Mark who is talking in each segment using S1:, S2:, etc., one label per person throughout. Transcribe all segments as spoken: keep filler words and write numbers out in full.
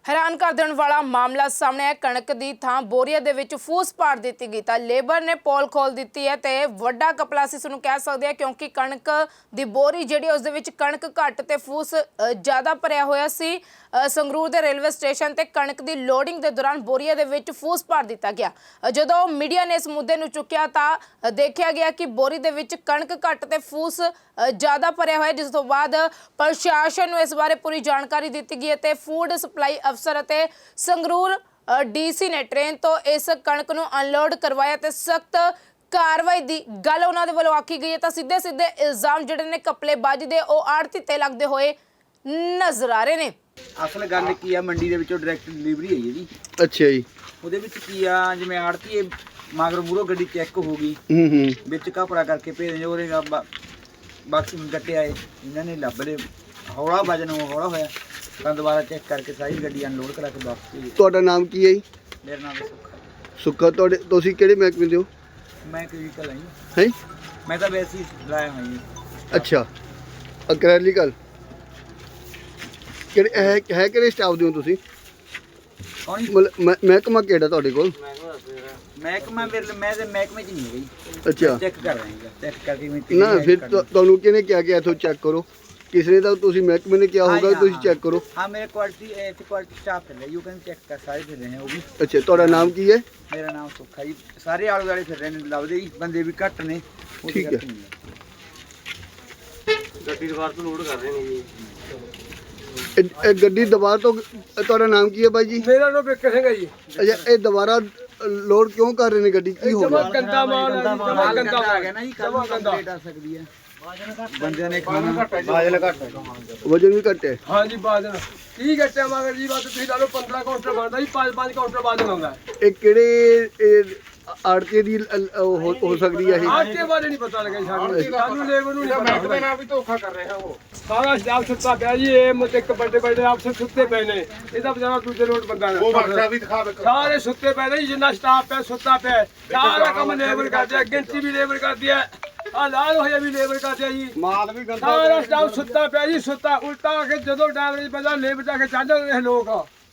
S1: हैरान कर देने वाला मामला सामने है। कणक की थां बोरिया दे विच फूस पाड़ दी गई तो लेबर ने पोल खोल दी है तो वड्डा कपला असीं इसनूं कह सकते हैं, क्योंकि कणक की बोरी जिहड़ी उस दे विच कणक घट ते फूस ज़्यादा भरिया होया सी। संगरूर के रेलवे स्टेशन ते कणक की लोडिंग के दौरान बोरिया दे विच फूस पाड़ दिता गया। जदों मीडिया ने इस मुद्दे नूं चुक्या तो देखा गया कि बोरी दे विच कणक घट ते फूस ज़्यादा भरिया होया, जिस तो बाद प्रशासन नूं इस बारे पूरी जानकारी दी गई है। फूड सप्लाई अफसर अते संगरूर डीसी ने ट्रेन तो इस कणक नूं अनलोड करवाया ते सख्त कार्रवाई की गल उन्हां दे वल्लों आखी गई है। तो सीधे सीधे इल्जाम जिहड़े ने कपलेबाजी दे ओ आड़ती ते लगदे होए नज़र आ रहे ने।
S2: असल गल की आ, मंडी दे विचों डायरैक्ट डिलीवरी है जी।
S3: अच्छा जी।
S2: ਉਹਦੇ ਵਿੱਚ ਕੀ ਆ, ਜਿਵੇਂ ਆੜਤੀ ਮਗਰ ਮੂਰੋ ਗੱਡੀ ਚੈੱਕ ਹੋ ਗਈ,
S3: ਹੂੰ ਹੂੰ
S2: ਵਿੱਚ ਕਪੜਾ ਕਰਕੇ ਭੇਜ ਉਹਦੇ ਬਾਕਸ ਗੱਟੇ ਆਏ, ਇਹਨਾਂ ਨੇ ਲੱਭ ਲਏ, ਹੌਲਾ ਵਜਨ ਹੌਲਾ ਹੋਇਆ ਤਾਂ ਦੁਬਾਰਾ ਚੈੱਕ ਕਰਕੇ ਸਾਰੀ ਗੱਡੀ ਅਨਲੋਡ ਕਰਾ ਕੇ ਵਾਪਸ ਭੇਜੀ।
S3: ਤੁਹਾਡਾ ਨਾਮ ਕੀ ਹੈ ਜੀ?
S2: ਮੇਰਾ ਨਾਮ ਸੁੱਖਾ।
S3: ਸੁੱਖਾ। ਤੁਹਾਡੇ ਤੁਸੀਂ ਕਿਹੜੇ ਮਹਿਕਮੇ ਦੇ ਹੋ?
S2: ਮੈਂ ਕਲੀਨਿਕਲ ਹਾਂ ਜੀ।
S3: ਹੈ
S2: ਮੈਂ ਤਾਂ ਵੈਸੇ ਹੀ ਲਾਇਆ ਹਾਂ ਜੀ।
S3: ਅੱਛਾ, ਅਕ੍ਰੈਲਿਕਲ ਕਿਹੜੇ ਹੈ ਹੈ ਕਿਹੜੇ ਸਟਾਫ ਦੇ ਹੋ ਤੁਸੀਂ?
S2: ਕੌਣ ਜੀ?
S3: ਮਤਲਬ ਮਹਿ- ਮਹਿਕਮਾ ਕਿਹੜਾ ਤੁਹਾਡੇ ਕੋਲ?
S2: ਮਹਿਕਮਾ ਮੇਰੇ ਮੈਂ ਤੇ ਮਹਿਕਮੇ 'ਚ ਨਹੀਂ ਹੈ ਜੀ।
S3: ਅੱਛਾ
S2: ਚੈੱਕ ਕਰ ਰਹੇ ਹਾਂ, ਚੈੱਕ ਕਰਕੇ ਮੈਂ
S3: ਨਾ ਫਿਰ ਤੁ- ਤੁਹਾਨੂੰ ਕਿਹਨੇ ਕਿਹਾ ਕਿ ਇੱਥੋਂ ਚੈੱਕ ਕਰੋ? ਕਿਸੇ ਨੇ ਤਾਂ ਤੁਸੀਂ ਮਹਿਕਮੇ ਨੇ ਕਿਹਾ ਹੋਊਗਾ ਤੁਸੀਂ ਚੈੱਕ ਕਰੋ।
S2: हाँ मेरे क्वालिटी ऐसे क्वालिटी स्टाफ है, यू कैन चेक कर सारे फिर रहे हैं वो भी।
S3: ਅੱਛਾ, ਤੁਹਾਡਾ ਨਾਮ ਕੀ ਹੈ?
S2: मेरा नाम सुखा जी। सारे आले दुआले फिर रहे हैं, लभदे जी, बंदे भी घट ने। वो
S3: ठीक
S2: घट
S3: है।
S2: नहीं
S4: ਗੱਡੀ ਦੁਬਾਰ ਤੋਂ ਲੋਡ ਕਰ ਰਹੇ ਨੇ ਜੀ।
S3: ਇਹ- ਇਹ ਗੱਡੀ ਦੁਬਾਰਾ ਤੋਂ ਤੁਹਾਡਾ ਨਾਮ ਕੀ ਹੈ ਬਾਈ ਜੀ?
S4: ਮੇਰਾ ਨਾਮ ਬਿੱਕਰ ਸਿੰਘ ਹੈ ਜੀ।
S3: ਅੱਛਾ, ਇਹ ਦੁਬਾਰਾ ਲੋਡ ਕਿਉਂ ਕਰ ਰਹੇ ਨੇ ਗੱਡੀ? ਕੀ ਹੋ
S4: ਜਮਾ
S3: ਗਿਆ?
S4: ਗੰਦਾ ਮਾਲ ਹੈ ਜੀ, ਜਮਾ
S2: माल
S4: ਗੰਦਾ
S2: गंदा आ
S4: ਮਾਲ
S2: गया ना जी, कल
S4: जमा
S2: को
S4: गंदा।
S2: कंप्लेंट आ सकती है। बंदे ने खाना बाजल घट है।
S3: ਵਜਨ ਵੀ ਘੱਟ ਹੈ।
S4: ਹਾਂ ਜੀ ਬਾਦਨ ਕੀ ਗੱਟੇ ਮਗਰ ਜੀ, ਬਸ ਤੁਸੀਂ ਲਾ ਲਓ ਪੰਦਰਾਂ ਕਾਊਂਟਰ ਬਣਦਾ ਜੀ, ਪੰਜ ਪੰਜ ਕਾਊਂਟਰ ਬਾਦਨ ਆਉਂਦਾ।
S3: ਇਹ ਕਿਹੜੇ ਆੜਤੀ ਦੀ ਲ- ਲ- ਉਹ ਹੋ ਹੋ ਸਕਦੀ ਹੈ ਇਹ?
S4: ਆਟੇ ਬਾਰੇ ਨਹੀਂ ਪਤਾ ਲੱਗਿਆ ਸਾਨੂੰ, ਸਾਨੂੰ ਲੇਬਰ ਨੂੰ ਨਹੀਂ ਪਤਾ ਹੁੰਦਾ।
S5: ਵੀ ਧੋਖਾ ਕਰ ਰਿਹਾ ਉਹ।
S4: ਸਾਰਾ ਸਟਾਫ ਸੁੱਤਾ ਪਿਆ ਜੀ, ਇਹ ਮੁੱਦੇ ਇੱਕ ਵੱਡੇ ਵੱਡੇ ਅਫਸਰ ਸੁੱਤੇ ਪਏ ਨੇ, ਇਹਦਾ ਵਿਚਾਰਾ ਦੂਜੇ ਲੋਟ ਬੰਦਾ
S5: ਉਹ
S4: ਨੇ
S5: ਵਰਕਸ਼ਾਪ ਵੀ ਦਿਖਾ ਦੇ।
S4: ਸਾਰੇ ਸੁੱਤੇ ਪਏ ਨੇ ਜੀ, ਜਿੰਨਾ ਸਟਾਫ ਪਿਆ ਸੁੱਤਾ ਪਿਆ, ਸਾਰਾ ਕੰਮ ਲੇਬਰ ਕਰਦੇ ਆ, ਗਿਣਤੀ ਵੀ ਲੇਬਰ ਕਰਦੀ ਹੈ, ਆ ਲਾਲ ਹੋਇਆ ਵੀ ਲੇਬਰ ਕਰਦੇ ਆ ਜੀ।
S5: ਮਾਲ ਵੀ ਗੰਦਾ
S4: ਸਾਰਾ ਸਟਾਫ ਸੁੱਤਾ ਪਿਆ ਜੀ, ਸੁੱਤਾ ਉਲਟਾ ਆ ਕੇ ਜਦੋਂ ਡਰਾਈਵਰ ਬੰਦਾ ਲੇਬਰ ਜਾ ਕੇ ਚੜ੍ਹ ਜਾਂਦੇ ਨੇ ਲੋਕ।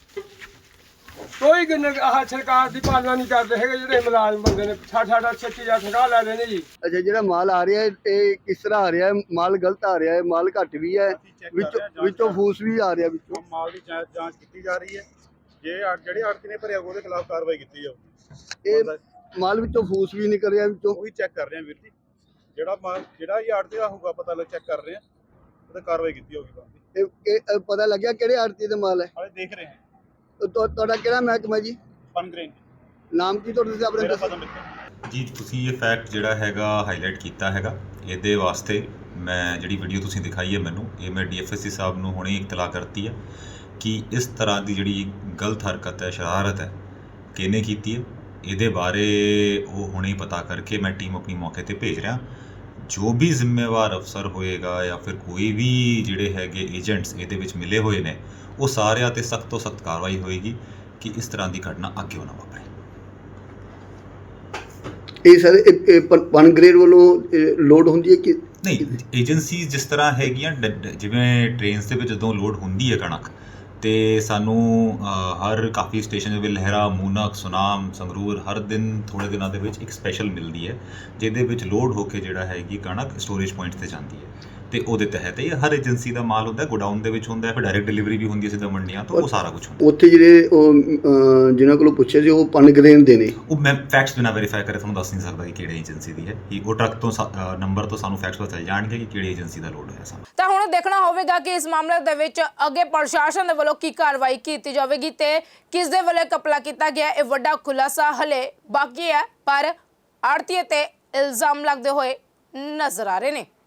S4: ਕੋਈ ਗਨ ਆਹ ਸਰਕਾਰ ਦੀ ਪਾਲਣਾ ਨਹੀਂ ਕਰਦੇ ਹੈਗੇ, ਜਿਹੜੇ ਮੁਲਾਜ਼ਮ ਬੰਦੇ ਨੇ ਸਾਠ ਸਾਠ ਛੱਤੀ ਹਜ਼ਾਰ ਤਨਖਾਹ ਲੈ ਰਹੇ ਨੇ ਜੀ।
S3: ਅੱਛਾ, ਜਿਹੜਾ ਮਾਲ ਆ ਰਿਹਾ ਹੈ ਇਹ ਕਿਸ ਤਰ੍ਹਾਂ ਆ ਰਿਹਾ ਹੈ? ਮਾਲ ਗਲਤ ਆ ਰਿਹਾ ਹੈ, ਮਾਲ ਘੱਟ ਵੀ ਹੈ, ਵਿੱਚੋਂ ਵਿੱਚੋਂ ਫੂਸ ਵੀ ਆ ਰਿਹਾ ਵਿੱਚੋਂ।
S5: ਮਾਲ ਦੀ ਜਾਂਚ ਜਾਂਚ ਕੀਤੀ ਜਾ ਰਹੀ ਹੈ। ਜੇ ਆ- ਜਿਹੜੇ ਆੜਤੀ ਨੇ ਭਰਿਆ ਉਹਦੇ ਖਿਲਾਫ ਕਾਰਵਾਈ ਕੀਤੀ ਜਾਊ।
S3: ਇਹ ਮਾਲ ਵਿੱਚੋਂ ਫੂਸ ਵੀ ਨਿਕਲ ਰਿਹਾ ਵਿੱਚੋਂ।
S5: ਉਹੀ ਚੈੱਕ ਕਰ ਰਹੇ ਹਾਂ ਵੀਰ ਜੀ। ਜਿਹੜਾ ਮਾਲ ਜਿਹੜਾ ਹੀ ਆੜਤੀ ਦਾ ਹੋਊਗਾ ਪਤਾ ਲੱਗ ਚੈੱਕ ਕਰ ਰਹੇ ਹਾਂ, ਉਹਦੇ ਕਾਰਵਾਈ ਕੀਤੀ ਹੋਊਗੀ ਬਾਅਦ।
S3: ਇਹ ਇਹ ਪਤਾ ਲੱਗਿਆ ਕਿਹੜੇ ਆੜਤੀ ਦਾ ਮਾਲ ਹੈ?
S5: ਹਾਲੇ ਦੇਖ ਰਹੇ ਹਾਂ।
S3: ਤੁਹਾ- ਤੁਹਾਡਾ ਕਿਹੜਾ ਮਹਿਕਮਾ ਜੀ?
S5: ਪਨਗ੍ਰੇਨ
S3: ਨਾਮ ਕੀ ਤੁਹਾਡਾ? ਤੁਸੀਂ ਆਪਣੇ
S5: ਮੇਰਾ
S3: ਦੱਸੋ।
S5: ਪਤਾ ਮਿੱਤਰ
S6: ਜੀ ਤੁਸੀਂ ਇਹ ਫੈਕਟ ਜਿਹੜਾ ਹੈਗਾ ਹਾਈਲਾਈਟ ਕੀਤਾ ਹੈਗਾ, ਇਹਦੇ ਵਾਸਤੇ ਮੈਂ ਜਿਹੜੀ ਵੀਡੀਓ ਤੁਸੀਂ ਦਿਖਾਈ ਹੈ ਮੈਨੂੰ, ਇਹ ਮੈਂ ਡੀਐਫਐਸਸੀ ਸਾਹਿਬ ਨੂੰ ਹੁਣੇ ਇਤਲਾਹ ਕਰਤੀ ਹੈ ਕਿ ਇਸ ਤਰ੍ਹਾਂ ਦੀ ਜਿਹੜੀ ਗਲਤ ਹਰਕਤ ਹੈ, ਸ਼ਰਾਰਤ ਹੈ, ਕਿਹਨੇ ਕੀਤੀ ਹੈ, ਇਹਦੇ ਬਾਰੇ ਉਹ ਹੁਣੇ ਹੀ ਪਤਾ ਕਰਕੇ ਮੈਂ ਟੀਮ ਆਪਣੀ ਮੌਕੇ ਤੇ ਭੇਜ ਰਿਹਾ। ਜੋ ਵੀ ਜ਼ਿੰਮੇਵਾਰ ਅਫਸਰ ਹੋਏਗਾ ਜਾਂ ਫਿਰ ਕੋਈ ਵੀ ਜਿਹੜੇ ਹੈਗੇ ਏਜੰਟਸ ਇਹਦੇ ਵਿੱਚ ਮਿਲੇ ਹੋਏ ਨੇ, ਉਹ ਸਾਰਿਆਂ 'ਤੇ ਸਖਤ ਤੋਂ ਸਖਤ ਕਾਰਵਾਈ ਹੋਏਗੀ ਕਿ ਇਸ ਤਰ੍ਹਾਂ ਦੀ ਘਟਨਾ ਅੱਗੇ ਨਾ ਵਾਪਰੇ।
S3: ਇਹ ਸਰ ਪਨ ਗ੍ਰੇਡ ਵੱਲੋਂ ਲੋਡ ਹੁੰਦੀ ਹੈ ਕਿ
S6: ਨਹੀਂ, ਏਜੰਸੀਜ਼ ਜਿਸ ਤਰ੍ਹਾਂ ਹੈਗੀਆਂ, ਡ- ਡ- ਜਿਵੇਂ ਟ੍ਰੇਨਸ ਦੇ ਵਿੱਚ ਜਦੋਂ ਲੋਡ ਹੁੰਦੀ ਹੈ ਕਣਕ, ਤੇ ਸਾਨੂੰ ਅ, ਹਰ ਕਾਫੀ ਸਟੇਸ਼ਨ ਦੇ ਵਿੱਚ ਲਹਿਰਾ, ਮੂਨਕ, ਸੁਨਾਮ, ਸੰਗਰੂਰ ਹਰ ਦਿਨ ਥੋੜ੍ਹੇ ਦਿਨਾਂ ਦੇ ਵਿੱਚ ਇੱਕ ਸਪੈਸ਼ਲ ਮਿਲਦੀ ਹੈ, ਜਿਹਦੇ ਵਿੱਚ ਲੋਡ ਹੋ ਕੇ ਜਿਹੜਾ ਹੈਗੀ ਕਣਕ ਸਟੋਰੇਜ ਪੁਆਇੰਟ 'ਤੇ ਜਾਂਦੀ ਹੈ। ਤੇ ਉਹਦੇ ਤਹਿਤ ਇਹ ਹਰ ਏਜੰਸੀ ਦਾ ਮਾਲ ਹੁੰਦਾ, ਗੋਡਾਊਨ ਦੇ ਵਿੱਚ ਹੁੰਦਾ, ਫਿਰ ਡਾਇਰੈਕਟ ਡਿਲੀਵਰੀ ਵੀ ਹੁੰਦੀ ਹੈ ਸਿੱਧਾ ਮੰਡੀਆਂ ਤੋਂ, ਉਹ ਸਾਰਾ ਕੁਝ ਹੁੰਦਾ।
S3: ਉੱਥੇ ਜਿਹੜੇ ਉਹ ਅਹ, ਜਿਨ੍ਹਾਂ ਕੋਲੋਂ ਪੁੱਛਿਆ ਸੀ ਉਹ ਪਨ ਗ੍ਰੇਡ ਦੇ ਨੇ?
S6: ਉਹ ਮੈਂ ਫੈਕਟਸ ਬਿਨਾਂ ਵੈਰੀਫਾਈ ਕਰੇ ਤੁਹਾਨੂੰ ਦੱਸ ਨਹੀਂ ਸਕਦਾ ਕਿ ਕਿਹੜੇ ਏਜੰਸੀ ਦੀ ਹੈ। ਕਿ ਉਹ ਟਰੱਕ ਤੋਂ ਨੰਬਰ ਤੋਂ ਸਾਨੂੰ ਫੈਕਟਸ ਪਤਾ ਚੱਲ ਜਾਣਗੇ ਕਿ ਕਿਹੜੀ ਏਜੰਸੀ ਦਾ ਲੋਡ ਹੋਇਆ ਸਾਨੂੰ।
S1: ਤਾਂ ਹੁਣ ਦੇਖਣਾ ਹੋਵੇਗਾ ਕਿ ਇਸ ਮਾਮਲੇ ਦੇ ਵਿੱਚ ਅੱਗੇ ਪ੍ਰਸ਼ਾਸਨ ਦੇ ਵੱਲੋਂ ਕੀ ਕਾਰਵਾਈ ਕੀਤੀ ਜਾਵੇਗੀ ਤੇ ਕਿਸ ਦੇ ਵੱਲੋਂ ਕਪਲਾ ਕੀਤਾ ਗਿਆ। ਇਹ ਵੱਡਾ ਖੁਲਾਸਾ ਹਲੇ ਬਾਕੀ ਹੈ, ਪਰ ਆੜਤੀਏ ਤੇ ਇਲਜ਼ਾਮ ਲੱਗਦੇ ਹੋਏ ਨਜ਼ਰ ਆ ਰਹੇ ਨੇ।